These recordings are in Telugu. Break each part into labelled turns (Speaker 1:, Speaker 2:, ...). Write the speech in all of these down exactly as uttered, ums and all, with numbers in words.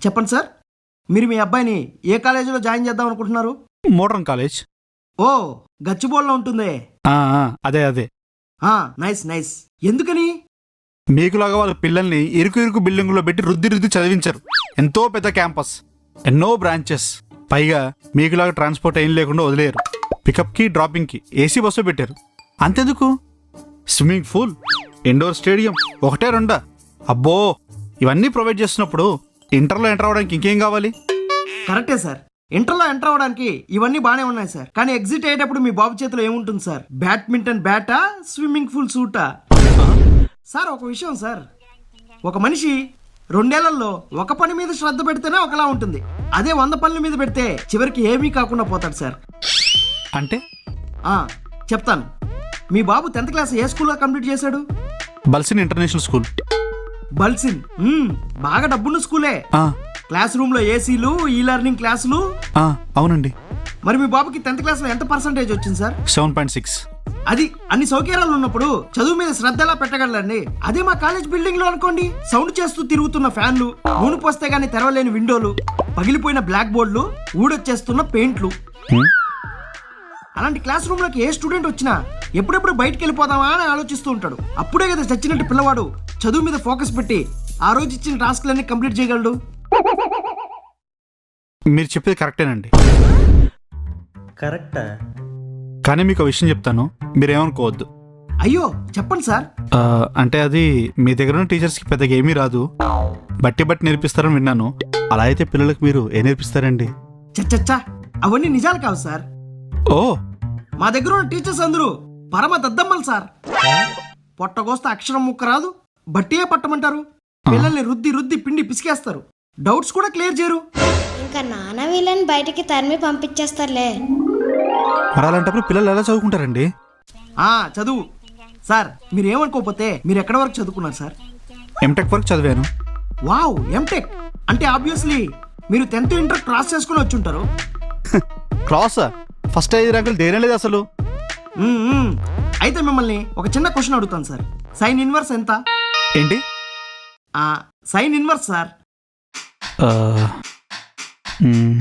Speaker 1: చెప్పండి సార్, మీరు మీ అబ్బాయిని ఏ కాలేజీలో జాయిన్ చేద్దాం అనుకుంటున్నారు?
Speaker 2: Modern college.
Speaker 1: ఓ, గచ్చిబోల్లో ఉంటుందే.
Speaker 2: ఆ, ఆ, అదే అదే.
Speaker 1: ఆ, నైస్ నైస్. ఎందుకని?
Speaker 2: మీకులాగా వాళ్ళ పిల్లల్ని ఇరుకు ఇరుకు బిల్డింగులో పెట్టి రుద్ది రుద్ది చదివించారు. ఎంతో పెద్ద క్యాంపస్, ఎన్నో బ్రాంచెస్, పైగా మీకులాగా ట్రాన్స్పోర్ట్ ఏం లేకుండా వదిలేరు. పికప్కి డ్రాపింగ్కి ఏసీ బస్సు పెట్టారు. అంతెందుకు, స్విమ్మింగ్ పూల్, ఇండోర్ స్టేడియం ఒకటే రెండా? అబ్బో, ఇవన్నీ ప్రొవైడ్ చేస్తున్నప్పుడు ఇంటర్లో ఎంటర్ అవ్వడానికి ఇంకేం కావాలి?
Speaker 1: కరెక్టే సార్, ఇంటర్లో ఎంటర్ అవ్వడానికి ఇవన్నీ బాగానే ఉన్నాయి సార్. కానీ ఎగ్జిట్ అయ్యేటప్పుడు మీ బాబు చేతిలో ఏముంటుంది సార్? బ్యాడ్మింటన్ బ్యాటా, స్విమ్మింగ్ పూల్ సూటా? సార్ ఒక విషయం సార్, ఒక మనిషి రెండేళ్లలో ఒక పని మీద శ్రద్ధ పెడితేనే ఒకలా ఉంటుంది. అదే వంద పనుల మీద పెడితే చివరికి ఏమీ కాకుండా పోతాడు సార్.
Speaker 2: అంటే
Speaker 1: ఆ, చెప్తాను. మీ బాబు టెన్త్ క్లాస్ ఏ స్కూల్లో కంప్లీట్ చేశాడు?
Speaker 2: బల్సిన్ ఇంటర్నేషనల్ స్కూల్.
Speaker 1: బల్సిన్ మ్మ్, బాగా డబ్బున్న స్కూలే.
Speaker 2: ఆ,
Speaker 1: క్లాస్ రూమ్ లో ఏసీలు, ఈ లెర్నింగ్ క్లాసులు.
Speaker 2: ఆ, అవునండి.
Speaker 1: మరి మీ బాబుకి టెన్త్ క్లాస్ లో ఎంత పర్సెంటేజ్ వచ్చింది సార్?
Speaker 2: Seven point six.
Speaker 1: అది అన్ని సౌకర్యాలు ఉన్నప్పుడు చదువు మీద శ్రద్ధ ఎలా పెట్టగలండి? అదే మా కాలేజ్ బిల్డింగ్ లో అనుకోండి, సౌండ్ చేస్తూ తిరుగుతున్న ఫ్యాన్లు, నూనె పోస్తే గానీ తెరవలేని విండోలు, పగిలిపోయిన బ్లాక్ బోర్డులు, ఊడొచ్చేస్తున్న పెయింట్లు. అలాంటి క్లాస్ రూమ్ లోకి ఏ స్టూడెంట్ వచ్చినా ఎప్పుడెప్పుడు బయటికి వెళ్ళిపోదామా అని ఆలోచిస్తూ ఉంటాడు. అప్పుడే కదా చచ్చినట్టు పిల్లవాడు చదువు మీద ఫోకస్ పెట్టి ఆ రోజు ఇచ్చిన టాస్క్లన్నీ కంప్లీట్ చేయగలడు.
Speaker 2: మీరు చెప్పేది కరెక్టేనండి.
Speaker 3: కరెక్టా?
Speaker 2: కానీ మీకు ఒక విషయం చెప్తాను, మీరేమనుకోవద్దు.
Speaker 1: అయ్యో, చెప్పండి సార్.
Speaker 2: ఆ, అంటే అది మీ దగ్గర ఉన్న టీచర్స్కి పెద్దగా ఏమీ రాదు, బట్టి బట్టి నేర్పిస్తారని విన్నాను. అలా అయితే పిల్లలకు మీరు ఏం నేర్పిస్తారండి?
Speaker 1: చచ్చచ్చా, అవన్నీ నిజాలు కావు సార్.
Speaker 2: ఓ,
Speaker 1: మా దగ్గర ఉన్న టీచర్స్ అందరూ పరమ దద్దమ్మలు సార్. పొట్టగోస్తే అక్షరం ముక్క రాదు, బట్టియే పట్టమంటారు. పిల్లల్ని రుద్ది రుద్ది పిండి పిసికేస్తారు, డౌట్స్ కూడా క్లియర్ చేయరు.
Speaker 4: ఇంకా నాన్న వీళ్ళని బయటికి తరిమి పంపించేస్తారులే.
Speaker 2: మరి అలాంటప్పుడు పిల్లలు ఎలా చదువుకుంటారండి?
Speaker 1: ఆ, చదువు సార్, మీరు ఏమనుకోకపోతే మీరు ఎక్కడి వరకు చదువుకున్నారు సార్?
Speaker 2: ఎంటెక్ వరకు చదివాను.
Speaker 1: వావ్, ఎంటెక్ అంటే ఆబ్వియస్లీ మీరు టెన్త్ ఇంటర్ క్రాస్ చేసుకుని వచ్చి ఉంటారు.
Speaker 2: క్లాసా? ఫస్ట్ ఐదు ర్యాంకులు దేనే లేదు అసలు.
Speaker 1: మ్మ్, మ్మ్. అయితే మిమ్మల్ని ఒక చిన్న క్వశ్చన్ అడుగుతాను సార్. సైన్ ఇన్వర్స్ ఎంత?
Speaker 2: ఏంటి?
Speaker 1: ఆ, సైన్ ఇన్వర్స్ సార్.
Speaker 2: ఆ, మ్,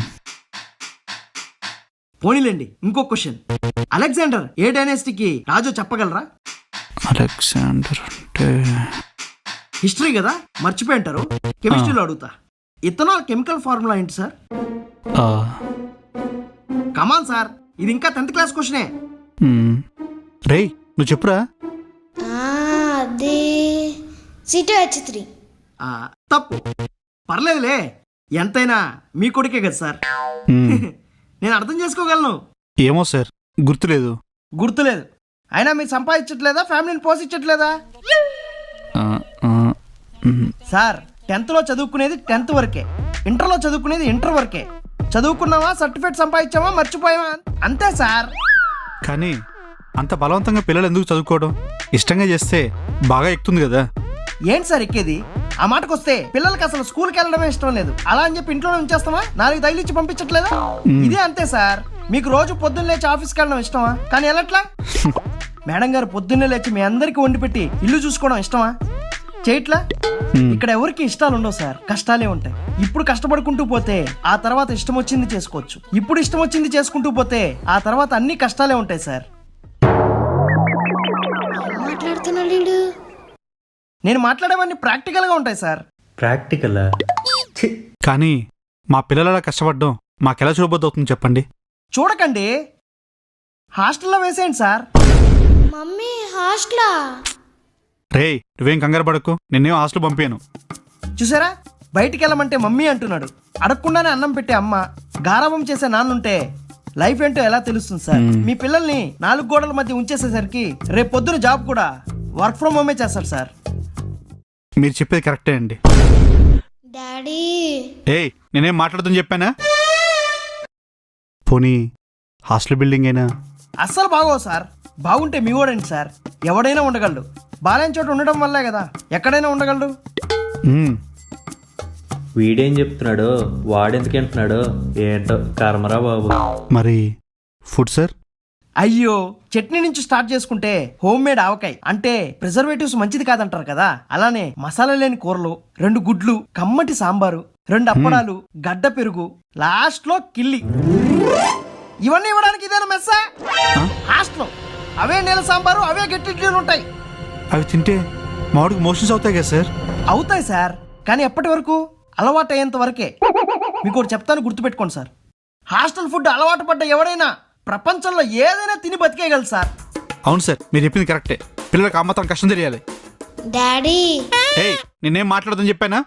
Speaker 1: పోనీలేండి, ఇంకో క్వశ్చన్. అలెగ్జాండర్ ఏ డైనాసిటీకి రాజు చెప్పగలరా?
Speaker 2: అలెగ్జాండర్ అంటే
Speaker 1: హిస్టరీ కదా, మర్చిపోయి ఉంటారు. కెమిస్ట్రీలో అడుగుతా. ఇథనాల్ కెమికల్ ఫార్ములా ఏంటి సార్?
Speaker 2: ఆ,
Speaker 1: కమాన్ సార్, ఇది ఇంకా టెన్త్ క్లాస్ క్వశ్చనే.
Speaker 2: మ్, రేయ్ నువ్వు చెప్పురా.
Speaker 4: ఆ, అది సి టూ హెచ్ త్రీ.
Speaker 1: ఆ, తప్పు. పర్లేదులే, ఎంతైనా మీ కొడుకే కదా సార్.
Speaker 2: మ్,
Speaker 1: నేను అర్థం చేసుకోగలను.
Speaker 2: ఏమో సార్, గుర్తులేదు.
Speaker 1: గుర్తులేదు, అయినా మీరు సంపాదించట్లేదా, ఫ్యామిలీని పోషించట్లేదా?
Speaker 2: ఆ, ఆ, మ్,
Speaker 1: సార్, టెన్త్లో చదువుకునేది టెన్త్ వరకే, ఇంటర్లో చదువుకునేది ఇంటర్ వరకే. చదువుకున్నావా, సర్టిఫికేట్ సంపాదించావా, మర్చిపోయావా, అంతే సార్.
Speaker 2: కానీ అంత బలవంతంగా పిల్లలు ఎందుకు చదువుకోవడం? ఇష్టంగా చేస్తే బాగా ఎక్కుతుంది కదా.
Speaker 1: ఏంటి సార్ ఎక్కేది? ఆ మాటకొస్తే పిల్లలకి అసలు స్కూల్కి వెళ్ళడమే ఇష్టం లేదు. అలా అని చెప్పి ఇంట్లోనే ఉంచేస్తామా? నాలుగు తగిలిచ్చి పంపించట్లేదా? ఇదే అంతే సార్. మీకు రోజు పొద్దున్న లేచి ఆఫీస్కి వెళ్ళడం ఇష్టమా? కానీ వెళ్ళట్లా. మేడం గారు పొద్దున్నే లేచి మీ అందరికి వండి పెట్టి ఇల్లు చూసుకోవడం ఇష్టమా? చేయట్లా. ఇక్కడ ఎవరికి ఇష్టాలు ఉండవు సార్, కష్టాలే ఉంటాయి. ఇప్పుడు కష్టపడుకుంటూ పోతే ఆ తర్వాత ఇష్టం వచ్చింది చేసుకోవచ్చు. ఇప్పుడు ఇష్టం వచ్చింది చేసుకుంటూ పోతే ఆ తర్వాత అన్ని కష్టాలే ఉంటాయి సార్.
Speaker 4: మాట్లాడుతున్నాడు వీడు.
Speaker 1: నేను మాట్లాడేవన్నీ ప్రాక్టికల్ గా ఉంటాయి సార్.
Speaker 3: ప్రాక్టికలా?
Speaker 2: కానీ మా పిల్లలు అలా కష్టపడడం మాకెలా చూడబోద్దు అవుతుంది చెప్పండి?
Speaker 1: చూడకండి, హాస్టల్లో వేసేయండి సార్.
Speaker 4: మమ్మీ హాస్టలా?
Speaker 2: రేయ్ నువ్వేం కంగారు పడకు, నిన్నేం హాస్టల్ పంపాను.
Speaker 1: చూసారా, బయటికి వెళ్ళమంటే మమ్మీ అంటున్నాడు. అడగకుండానే అన్నం పెట్టే అమ్మ, గారాబం చేసే నాన్నుంటే లైఫ్ ఏంటో ఎలా తెలుస్తుంది సార్? మీ పిల్లల్ని నాలుగు గోడల మధ్య ఉంచేసేసరికి రేపు పొద్దున జాబ్ కూడా వర్క్ ఫ్రమ్ హోమే చేస్తారు సార్.
Speaker 2: మీరు చెప్పేది కరెక్టే అండి.
Speaker 4: డాడీ,
Speaker 2: ఏయ్ నేనేం మాట్లాడుతుందని చెప్పానా? పోనీ హాస్టల్ బిల్డింగ్ అయినా?
Speaker 1: అస్సలు బాగోవు సార్. బాగుంటే మీ వాడండి సార్, ఎవడైనా ఉండగలడు. బాలేని చోట ఉండడం వల్లే కదా ఎక్కడైనా ఉండగలడు.
Speaker 2: మ్,
Speaker 3: వీడేం చెప్తున్నాడో వాడెందుకు అంటున్నాడో ఏంటో కర్మరా బాబు.
Speaker 2: మరి ఫుడ్ సార్?
Speaker 1: అయ్యో చట్నీ నుంచి స్టార్ట్ చేసుకుంటే హోమ్ మేడ్ ఆవకాయ అంటే ప్రిజర్వేటివ్స్ మంచిది కాదంటారు కదా. అలానే మసాలా లేని కూరలు, రెండు గుడ్లు, కమ్మటి సాంబారు, రెండు అప్పడాలు, గడ్డ పెరుగు, లాస్ట్ లో కిల్లి. ఇవన్నీ ఇవ్వడానికి ఇదేనా మెస్సా? హాస్టల్ అవే నీళ్ళ సాంబారు, అవే గట్టి ఇడ్లీలు ఉంటాయి.
Speaker 2: అవి తింటే మామిడికి మోషన్స్ అవుతాయి కదా సార్?
Speaker 1: అవుతాయి సార్, కానీ ఎప్పటి వరకు? అలవాటు అయ్యేంత వరకే. మీకు ఒకటి చెప్తాను, గుర్తుపెట్టుకోండి సార్. హాస్టల్ ఫుడ్ అలవాటు పడ్డ ఎవరైనా ప్రపంచంలో ఏదైనా తిని బతికేయగలరు సార్.
Speaker 2: అవును సార్, మీరు చెప్పింది కరెక్టే. పిల్లలకు ఆ మాత్రం కష్టం తెలియాలి.
Speaker 4: డాడీ
Speaker 2: ఏయ్, నేనేం మాట్లాడదని చెప్పానా?